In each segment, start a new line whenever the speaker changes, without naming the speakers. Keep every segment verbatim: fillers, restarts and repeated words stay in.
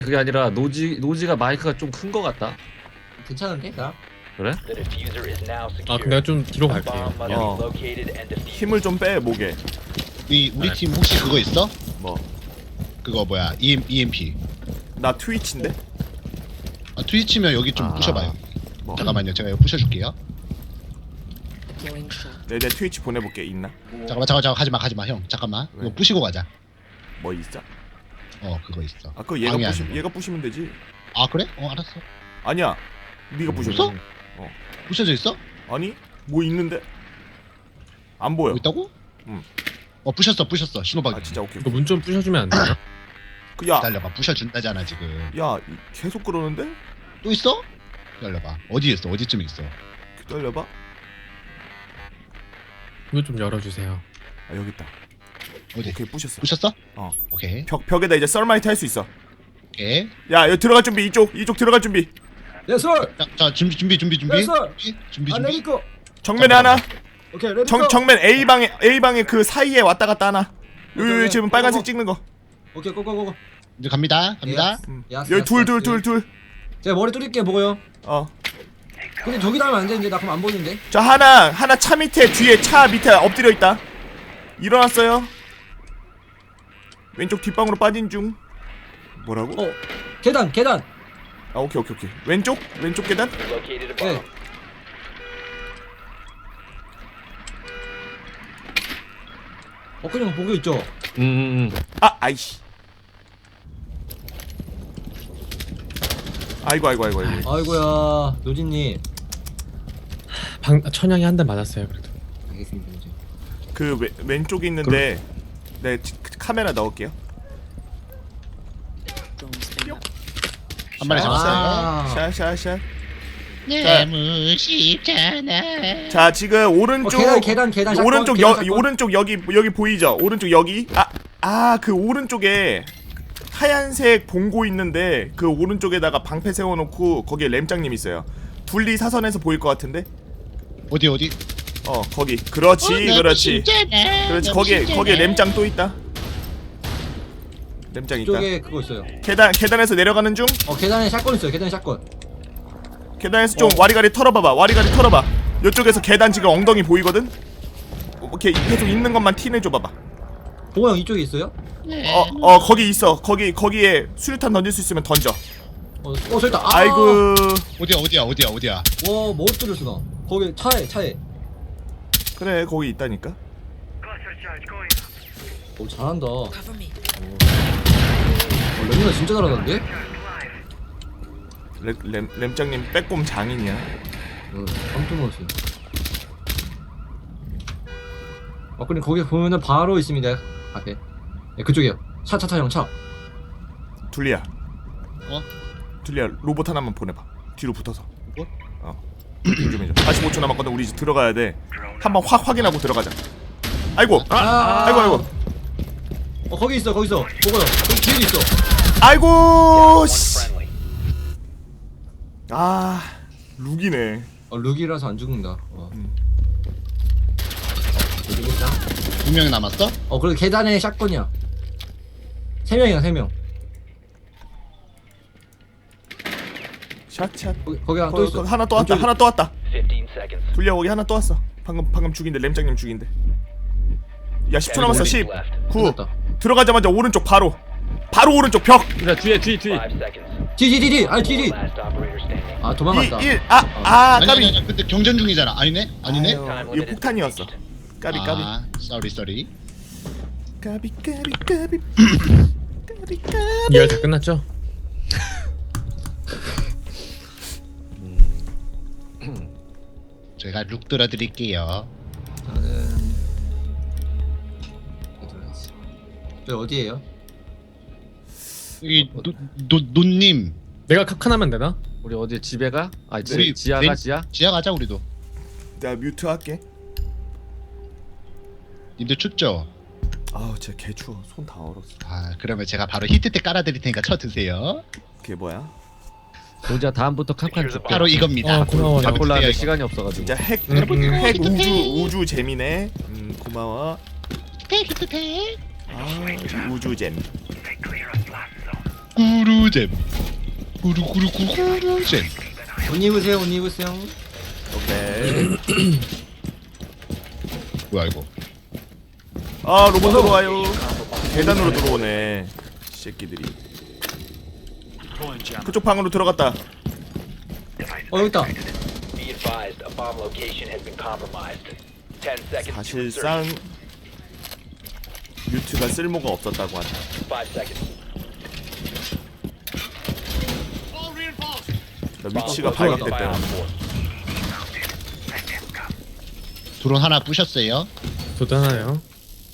그게 아니라 노지 노지가 마이크가 좀 큰 거 같다.
괜찮은데 나?
그래?
아 그럼 내가 좀 뒤로 갈게요.
어. 힘을 좀 빼 목에.
우리 우리
네.
팀 혹시 그거 있어?
뭐?
그거 뭐야? EM, EMP.
나 트위치인데?
아, 트위치면 여기 좀
아.
부셔봐요.
뭐?
잠깐만요, 제가 이거 부셔줄게요.
내, 내 트위치 보내볼게. 있나?
잠깐만, 잠깐, 잠깐, 가지마, 가지마, 형. 잠깐만.
왜?
이거 부시고 가자.
뭐 있어?
어, 그거 있어.
아 그거 얘가
방해
부시
아니고.
얘가 부시면 되지.
아, 그래? 어, 알았어.
아니야. 네가 부셔.
부숴? 부셔져 있어?
아니? 뭐 있는데? 안 보여.
뭐 있다고?
응.
어, 부셨어, 부셨어. 신호박이.
아 진짜 오케이.
이거 문 좀 부셔주면 안 되나?
그 야,
기다려봐, 부셔준다잖아 지금.
야 이- 계속 그러는데?
또 있어? 기다려봐. 어디 있어? 어디쯤 있어?
기다려봐.
이거 좀 열어주세요.
아 여기 있다.
어디?
오케이 부셨어.
부셨어?
어.
오케이.
벽 벽에다 이제 썰마이트 할 수 있어.
오케이.
야 여기 들어갈 준비. 이쪽 이쪽 들어갈 준비.
예스.
자, 자 준비, 준비, 준비, 준비.
됐어.
준비, 준비,
아
준비.
레디고.
정면에 하나.
오케이 레디고.
정 정면 A 방에 A 방에 그 사이에 왔다 갔다 하나.
오케이,
여기
오케이.
지금 빨간색 찍는 거.
오케이 고고고고.
이제 갑니다, 갑니다.
음.
야스,
여기
야스,
둘 둘
야스.
둘 둘.
제가 머리 뚫릴게 보고요.
어.
근데 저기다 하면 안 되는데 나 그럼 안 보이는데.
저 하나 하나 차 밑에 뒤에 차 밑에 엎드려 있다. 일어났어요. 왼쪽 뒷방으로 빠진 중. 뭐라고?
어 계단 계단.
아 오케이 오케이 오케이. 왼쪽 왼쪽 계단.
네. 어 그냥 보고 있죠.
음, 음.
아 아이씨. 아이고 아이고 아이고 아이고.
아이고야 노진님.
방 천양이 한 대 맞았어요 그래도.
알겠습니다 이제.
그 왼, 왼쪽에 있는데 네 지- 카메라 넣을게요.
한 마리 잡았어요.
아.
샤샤샤.
너무 쉽잖아.
자 지금
어,
오른쪽
계단 계단 계단. 샷건,
오른쪽
계단
여
샷건.
오른쪽 여기 여기 보이죠? 오른쪽 여기. 아 아 그 오른쪽에 하얀색 봉고 있는데 그 오른쪽에다가 방패 세워놓고 거기에 램장님 있어요. 둘리 사선에서 보일 것 같은데?
어디 어디?
어 거기. 그렇지 그렇지. 그렇지 거기에 거기에 램장 또 있다. 램장 있다.
이쪽에 그거 있어요.
계단 계단에서 내려가는 중.
어 계단에 샷건 있어요. 계단에 샷건.
계단에서 좀
어.
와리가리 털어봐봐. 와리가리 털어봐. 이쪽에서 계단 지금 엉덩이 보이거든. 오케이 계속 있는 것만 티 내줘봐봐.
보고 형 이쪽에 있어요?
어, 어 거기 있어. 거기 거기에 수류탄 던질 수 있으면 던져.
어, 어 저기다. 아!
아이고.
어디야 어디야 어디야 어디야?
와, 못 뚫렸어 나. 거기 차에 차에.
그래 거기 있다니까.
오 잘한다. 어, 레미나 진짜 잘하던데?
램, 램, 램장님 빼꼼 장인이야.
어, 깜짝 놀랐어요. 어, 근데 거기 보면은 바로 있습니다. 앞에. 네, 그쪽이요. 차, 차, 차, 형, 차.
둘리야.
어?
둘리야 로봇 하나만 보내봐. 뒤로 붙어서.
뭐?
어. 좀 해줘. 사십오 초 남았거든. 우리 이제 들어가야 돼. 한번 확 확인하고 들어가자. 아이고.
아,
아이고 아이고.
어, 거기 있어, 거기 있어. 보고요. 거기 뒤에도 있어.
아이고. 씨. 아 룩이네.
어, 룩이라서 안 죽는다. 어.
음.
모르겠다.
두 명 남았어?
어, 그래도 계단에 샷건이야. 세 명이야, 세 명.
샷샷.
거기, 거기 하나 또
거기,
있어.
거기 하나 또 왔다.
왼쪽에-
하나 또 왔다. 둘리야 거기 하나 또 왔어. 방금 방금 죽인데 램장님 죽인데. 야 십 초 남았어. 십, 구.
끝났다.
들어가자마자 오른쪽 바로. 바로 오른쪽 벽.
그래 뒤에 뒤 뒤.
뒤, 뒤, 뒤, 뒤. 아니, 뒤, 뒤. 아, 도망갔다.
이, 일. 아, 아,
아니
까비.
아니 아니 근데 경전 중이잖아. 아니네? 아니네?
아유, 이거 폭탄이었어. 까비 까비.
아, 쏘리 쏘리.
까비 까비 까비. 까비 까비.
이열 다 끝났죠?
제가 룩 들어드릴게요.
저는 저 어디에요?
이 노, 노, 노님
내가 카칸하면 되나?
우리 어디 집에 가? 아 지,
우리
지하가
내-
지하?
지하 가자 우리도.
내가 뮤트 할게.
님들 춥죠?
아우 진짜 개 추워. 손 다 얼었어.
아 그러면 제가 바로 히트 때 깔아드릴 테니까 쳐 드세요.
그게 뭐야?
도지야 다음부터 칸칸 줄게.
바로 이겁니다.
어, 고마워요.
바로
바꿀라 하는데
드세요,
시간이 없어가지고.
진짜 핵,
음, 음.
핵 우주 우주 재미네. 음 고마워.
히트 때 히트 때.
아 우주 재미.
꾸루잼. 꾸루꾸루꾸루잼.
옷 입으세요 옷 입으세요.
오케이.
뭐야 이거?
아 로봇 들어와요. 계단으로 들어오네. 새끼들이. 그쪽 방으로 들어갔다.
어 여기 있다.
Be advised, a bomb location has been compromised. ten seconds to
사실상
insertion.
뮤트가 쓸모가 없었다고 한다.
five seconds.
나 위치가
어,
발각됐다.
Fire on four.
드론 하나 부셨어요.
저도 하나요.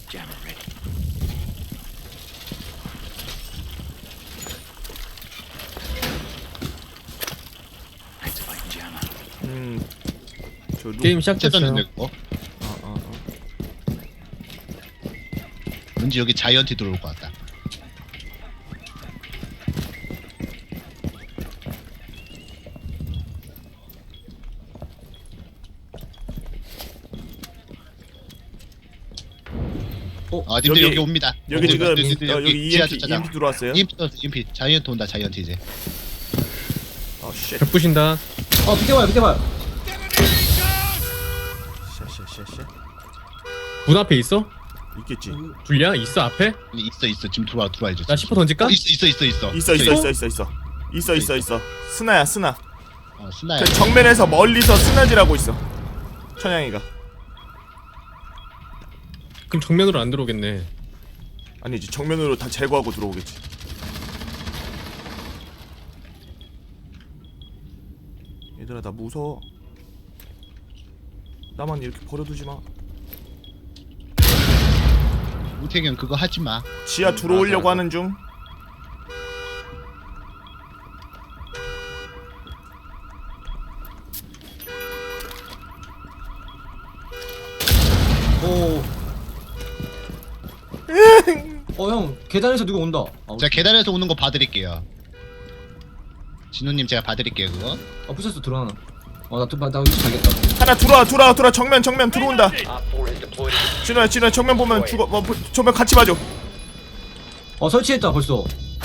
음. 저 누...
게임 시작됐어요.
쳤는데 그거.
아, 아, 아.
왠지 여기 자이언티 들어올 것 같다. 아, 님들
여기-
여기, 옵니다.
여기 지금
님들
어, 여기
지하
이엠피
주차장.
이엠피 들어왔어요.
이엠피 들어왔어, 이엠피. 자이언트 온다, 자이언트 이제.
어 쉣.
벽 부신다.
어 비켜봐요 비켜봐요.
쉣쉣쉣쉣.
문 앞에 있어?
있겠지.
불리야? 있어 앞에?
있어, 있어. 지금 들어와, 들어와 이제.
나 십 호 던질까?
어, 있어, 있어, 있어, 있어.
있어 있어 있어 있어 있어. 있어 있어 있어. 스나야 스나.
어, 스나야.
그 정면에서 멀리서 스나질하고 있어. 천양이가.
그럼 정면으로 안 들어오겠네.
아니지 정면으로 다 제거하고 들어오겠지. 얘들아 나 무서워. 나만 이렇게 버려두지 마.
우태경 그거 하지 마.
지하 들어오려고
맞아.
하는 중.
오. 어 형 계단에서 누가 온다. 아,
자, 계단에서 오는 거 봐드릴게요. 진우님 제가 봐드릴게요 그거.
어 부셨어 들어가나. 어나나 나 위치 알겠다.
하나 들어와 들어와 들어와 정면 정면 들어온다.
Op four has deployed a
진호야 진호야 정면 보면 죽어. 어, 보- 정면 같이 봐줘.
어 설치했다 벌써.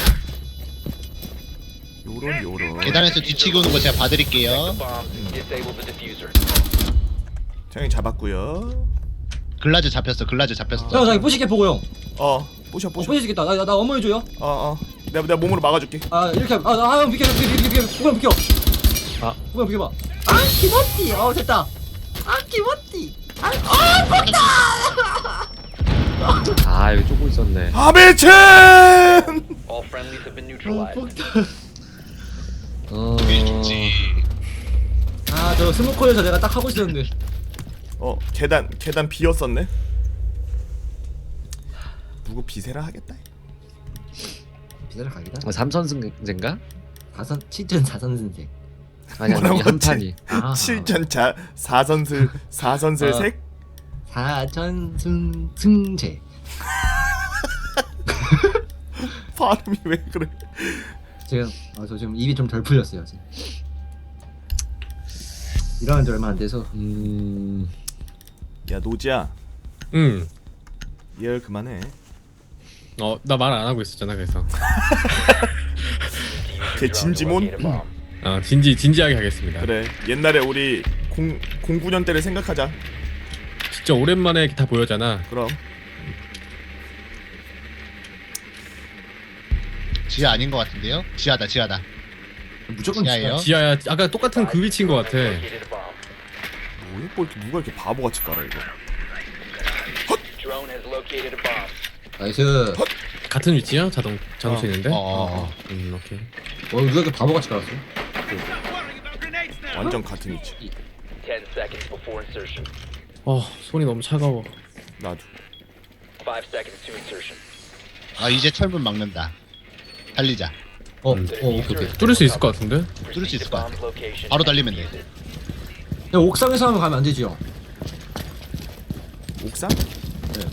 요런 요런.
계단에서 뒤치기 오는 거 제가 봐드릴게요.
bomb. Disable the diffuser.
장이 잡았고요.
글라즈 잡혔어, 글라즈 잡혔어.
형 저기 부시게 보고 형.
어 부셔
어
부셔.
부시겠다. 나나 나 어머 해줘요.
어어. 내가 내가 몸으로 막아줄게.
아 이렇게 아형 비켜 비켜 비켜 비켜 비켜 비켜.
아.
그냥 비켜봐. 아 기모띠. 어 됐다. 아 기모띠.
아 여기 쪼고 있었네.
아베첸.
All friendlies have been neutralized.
어.
아저 스모커에서 내가 딱 하고 있었는데.
어 계단 계단 비었었네. 누구 비세라 하겠다.
비자를 가기다.
어, 삼선승제인가?
사선 칠전 사선승제.
아니 아니
뭐라고
한
했지?
판이.
아
칠전자 사선슬 사선슬
어.
색.
사전승승제.
발음이 왜 그래?
제가 아, 저 지금 입이 좀 덜 풀렸어요 지금. 일어난 지 얼마 안 돼서.
음.
야 노지야
응.
얘 그만해.
어, 나 말 안 하고 있었잖아. 그래서.
걔 진지몬.
Locate a bomb.
아, 진지 진지하게 하겠습니다.
그래 옛날에 우리 공 공구 년 때를 생각하자.
진짜 오랜만에 다 보여잖아.
그럼
지하 아닌 것 같은데요? 지하다, 지하다.
무조건
지하예요?
지하야. 아까 똑같은 그 위치인 것 같아.
Located a bomb.
뭐야 뭐 이렇게 누가 이렇게 바보같이 깔아 이거.
Drone has located a bomb.
나이스.
같은 위치야? 자동 자동차 있는데?
어, 어, 어.
음, 오케이.
어 누가 이렇게 바보같이 깔았어?
완전 같은 위치.
ten seconds before insertion.
어, 손이 너무 차가워.
나도.
five seconds to insertion.
아, 이제 철문 막는다. 달리자.
어,
음.
어 오케이 오케이.
뚫을 수 있을 것 같은데?
뚫을 수 있을 것 같아.
Bomb's location
바로
and
달리면 돼.
defuse it.
야 옥상에서 하면 가면 안 되지요?
옥상? 네.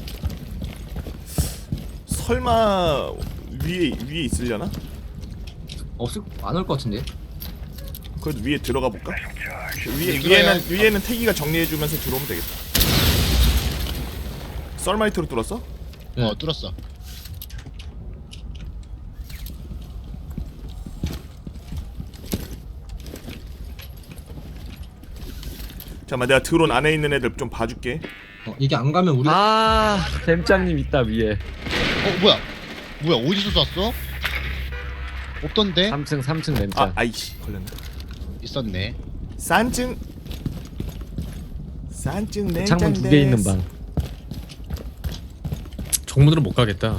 설마 위에 위에 있으려나?
없을 안 올 것 같은데.
그래도 위에 들어가 볼까? 위에
들어가야-
위에는 위에는 태기가 정리해주면서 들어오면 되겠다. 썰마이트로 뚫었어?
네.
어, 뚫었어.
잠깐만 내가 드론 안에 있는 애들 좀 봐줄게.
어, 이게 안 가면 우리
아 뱀장님 있다 위에.
어 뭐야? 뭐야 어디서 쐈어? 없던데?
삼 층 삼 층 뱀장.
아 아이씨 걸렸네.
있었네.
산증 산증 냉장
창문 두 개 있는 방.
정문으로 못 가겠다.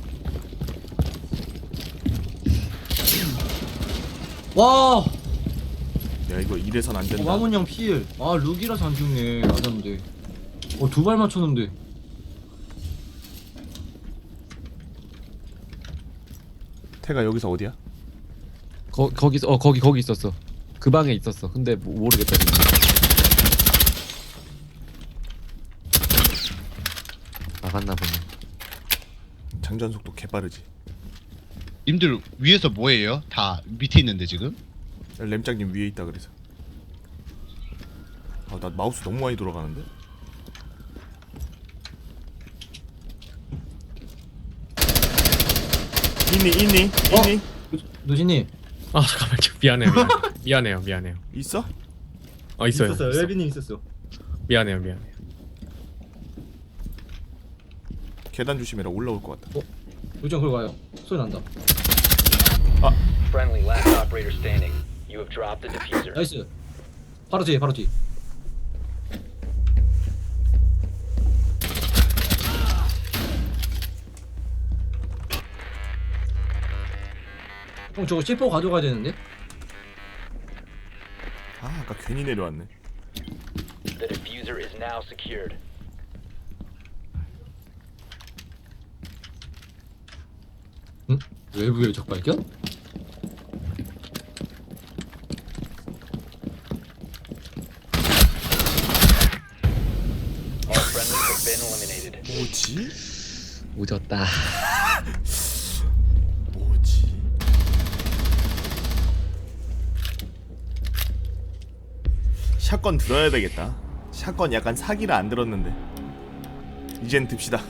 와
야 이거 이래선 안
어,
된다.
마문형 필. 아 룩이라서 안 죽네. 맞았는데. 어두 발 맞췄는데.
태가 여기서 어디야?
거 거기 어 거기 거기 있었어. 그 방에 있었어. 근데 뭐, 모르겠다. 지금. 나갔나 보네.
장전 속도 개빠르지.
님들 위에서 뭐해요? 다 밑에 있는데 지금?
램장님 위에 있다 그래서. 아 나 마우스 너무 많이 돌아가는데? 있니 있니
어?
있니?
노진님.
아 잠깐만요. 미안해요. 미안해요. 미안해요. 미안해요.
있어?
어 있어요.
있었어요.
있어.
웰빈님 있었어.
미안해요. 미안해요.
계단 조심해라 올라올 것 같다.
요즘 그걸 가요. 소리 난다.
Friendly last operator standing. You have dropped the diffuser.
나이스. 바로 뒤에 바로 뒤. 형 저거 씨포 가져가야 되는데?
아 아까 괜히 내려왔네.
The diffuser is now secured.
응? 외부의 적발견?
All friendlies have been eliminated.
뭐지?
오졌다.
뭐지? 샷건 들어야 되겠다. 샷건 약간 사기라 안 들었는데. 이젠 듭시다.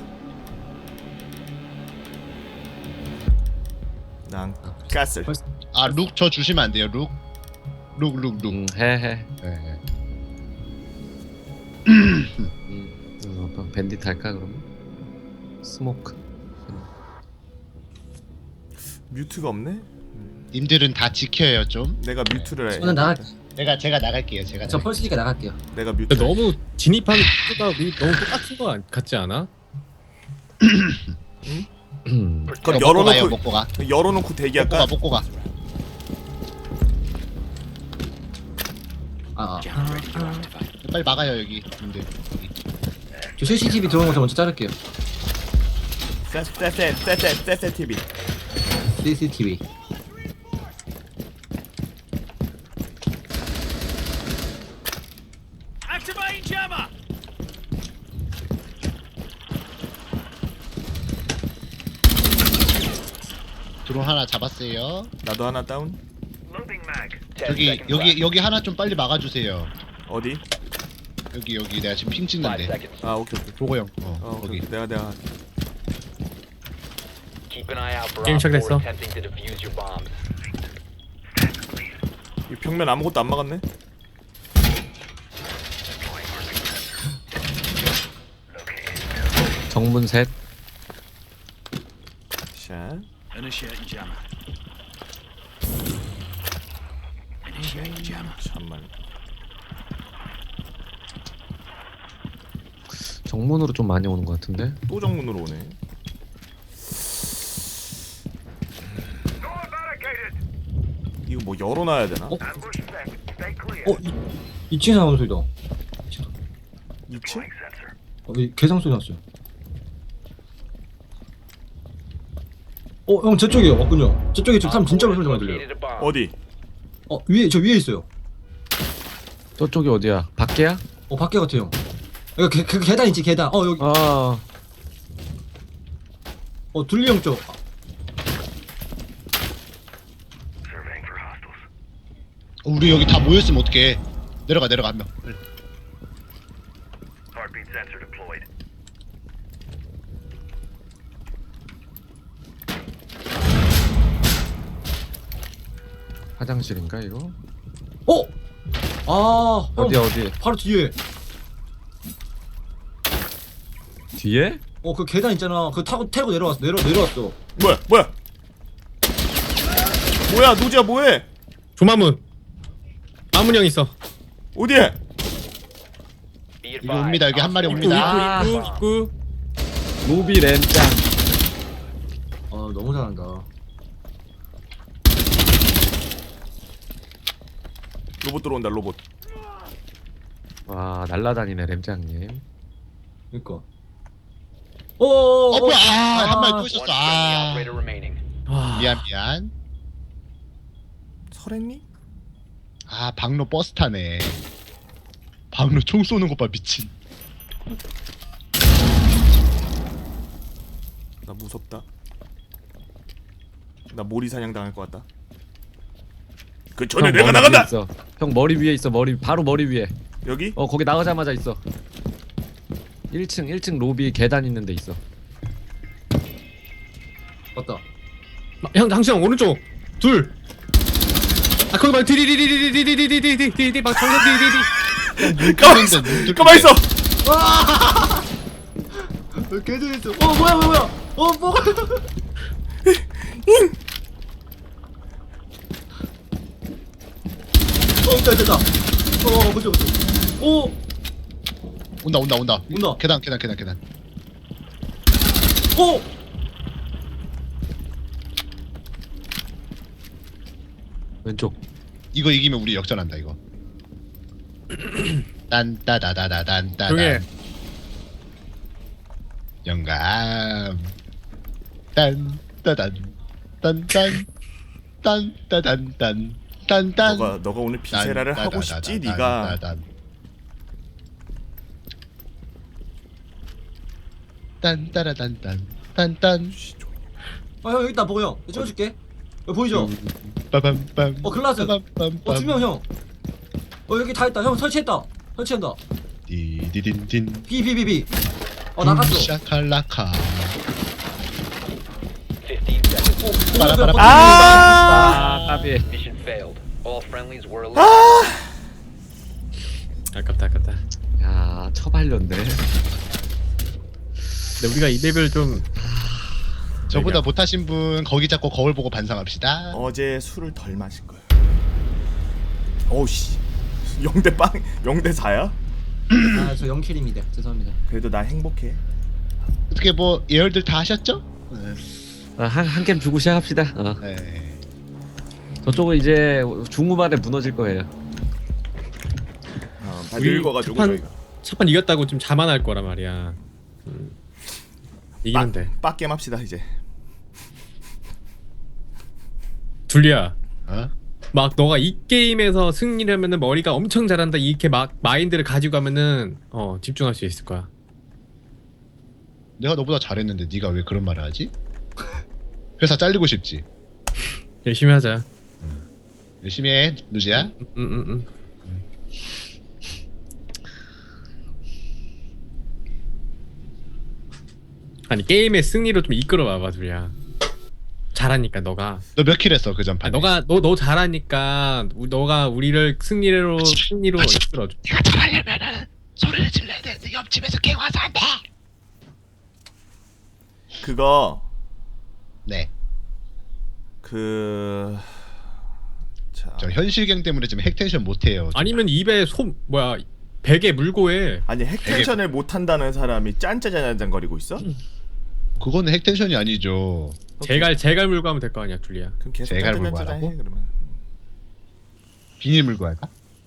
난 가슬.
아 룩 저 주시면 안 돼요 룩? 룩 룩 룩.
음, 해해.
네.
음, 어, 밴딧 할까 그러면? 스모크.
뮤트가 없네?
님들은 다 지켜요 좀.
내가 뮤트를 해.
저는 나갈.
제가 제가 나갈게요. 제가.
저
나갈게요.
펄스니까 나갈게요.
내가 뮤트.
근데 너무 진입하는 속도가 우리 너무 똑같은 거 안- 같지 않아?
음.
그럼
이거 먹고 가요
열어놓고
먹고 가.
열어놓고
먹고
대기할까?
가 먹고 가.
아, 아.
빨리 막아요 여기. 님들. 여기.
저 씨씨티비 들어온 거 저 먼저 자를게요.
세세 세세 세세 티비.
씨씨티비.
드론 하나 잡았어요.
나도 하나 다운.
Ten
저기
seconds
여기
left.
여기 하나 좀 빨리 막아주세요.
어디?
여기 여기 내가 지금 핑
Five
찍는데.
seconds.
아 오케이 오케이.
보고 형. 어,
어
거기.
오케이. 내가 내가
Keep an eye out for
게임
Op four
시작됐어.
attempting to defuse your bombs.
이 벽면 아무것도 안 막았네.
정문 셋.
샷. 잠만.
정문으로 좀 많이 오는 것 같은데.
또 정문으로 오네. 이거 뭐 열어놔야 되나?
어? 어? 이 층에서 나오는 소리다.
이 층?
어, 이 개상 소리 났어요. 어, 형 저쪽이요. 맞군요. 저쪽에 지금 사람 진짜로 소리 많이 들려요.
Located a bomb.
어디?
어, 위에 저 위에 있어요.
저쪽이 어디야? 밖에야?
어, 밖에 같아요. 여기 계, 그 계단 있지 계단. 어 여기.
아,
어 둘리 형 쪽.
어, 우리 여기 다 모였으면 어떡해. 내려가 내려가 한 명. 빨리.
화장실인가 이거?
어? 아, 형,
어디 어디?
바로 뒤에.
뒤에?
어, 그 계단 있잖아. 그 타고 태고 내려왔어. 내려 내려왔어.
뭐야 뭐야 뭐야 노지야 뭐해
조마문. 마문 형 있어.
어디에
Be
이거 옵니다. 여기 한 마리
advised,
옵니다.
입구 입구.
루비 램짱.
아, 너무 잘한다.
로봇 들어온다 로봇
와 날라다니네 램짱님.
그니까. 어, 어,
어 뭐야? 아, 한 마리 또
One
있었어.
friendly
아,
operator remaining.
와.
미안 미안.
설했니?
아, 박로 버스 타네. 박로 총 쏘는 것 봐, 미친.
나 무섭다 나 모리 사냥 당할 것 같다 그 전에
형,
내가
머리
나간다
위에 있어. 형 머리 위에 있어. 머리 바로 머리 위에.
여기?
어 거기 나가자마자 있어. 일 층 일 층 로비 계단 있는 데 있어.
맞다.
마- 형 당신 형 오른쪽 둘. 아 거기 막 디디디디디디디디디디디디 막 정면 디디디.
가만 있어 가만 있어
개들 있어. 어, 뭐야, 뭐야, 뭐야. 어, 뭐가. 어, 있다, 있다, 있다. 어, 그죠, 그죠. 오,
온다 온다 온다.
온다.
계단 계단 계단 계단.
오.
왼쪽.
이거 이기면 우리 역전한다 이거. 딴따다다다단따단.
조용해.
영감. 딴따단 딴딴 딴따단딴 딴딴.
너가 너가 오늘 비세라를 하고 싶지 네가
딴따라단딴 딴딴.
아, 형, 여기 있다, 보고 형. 내가 찍어줄게. 여기 보이죠?
빠밤빰.
어, 글라스.
빠밤빰빰.
어, 두 명, 형. 어, 여기 다 있다. 형, 설치했다. 설치한다.
디디딘딘.
비, 비, 비, 비. 어, 나갔어.
샤칼라카.
fifteen seconds.
어, 보고
빠라빠라.
형,
아
아 까비.
Mission failed. All friendlies were eliminated.
아깝다 아깝다.
야 처발렸네.
근데 우리가 이 맵을 좀
저보다 못하신 분 거기 잡고 거울 보고 반성합시다.
어제 술을 덜 마신 거야 어우씨 영대 빵 영대 사야?
아, 저 영킬입니다. 죄송합니다.
그래도 나 행복해
어떻게 뭐 예열들 다 하셨죠?
한한 게임 주고 시작합시다. 어.
네.
저쪽은 이제 중후반에 무너질 거예요.
어, 다
우리
늙어가지고
첫판-
저희가
첫판 이겼다고 좀 자만할 거란 말이야. 음. 이기면 돼.
빡겜 합시다 이제
둘리야.
어?
막 너가 이 게임에서 승리하면은 머리가 엄청 잘한다 이렇게 막 마인드를 가지고 하면은 어 집중할 수 있을 거야.
내가 너보다 잘했는데 네가 왜 그런 말을 하지? 회사 잘리고 싶지?
열심히 하자.
열심히 해, 누지야.
응응응. 아니 게임의 승리로 좀 이끌어 봐봐 둘이야. 잘하니까 너가.
너 몇 킬 했어 그 전판에?
아 너가 너 너 잘하니까 우, 너가 우리를 승리로 승리로 이끌어줘.
네가 잘하려면은 소리를 질러야 되는데 옆집에서 갱 와서 안 돼.
그거
네.
그... 자...
저 현실갱 때문에 지금 핵텐션 못해요.
아니면 입에 솜 뭐야 베개 물고 해.
아니 핵텐션을 못한다는 사람이 짠짜잔짠거리고 있어?
그거는 핵텐션이 아니죠.
제갈 제갈 물고 하면 될 거 아니야 둘리야.
그럼 계속
제갈 물고
짠짜잔짠 해
하라고?
그러면
비닐 물고 할까?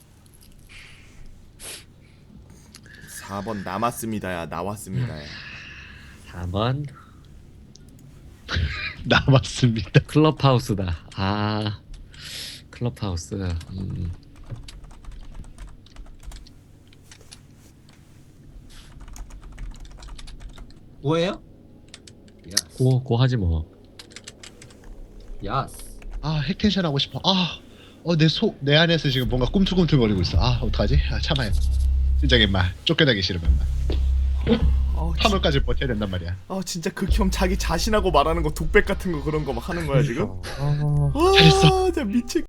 사 번 남았습니다야 나왔습니다야
사 번
남았습니다.
클럽하우스다. 아 클럽하우스. 음.
뭐예요? 야스.
고, 고 하지 뭐.
야스.
아 핵텐션 하고 싶어. 아, 어 내 속 내 안에서 지금 뭔가 꿈틀꿈틀거리고 있어. 아 어떡하지? 아 참아요. 진짜 임마 쫓겨나기 싫으면 임마.
어, 진-
삼월까지 버텨야 된단 말이야.
어 진짜 극혐 자기 자신하고 말하는 거 독백 같은 거 그런 거 막 하는 거야 지금?
어...
아,
잘했어.
진짜 미칠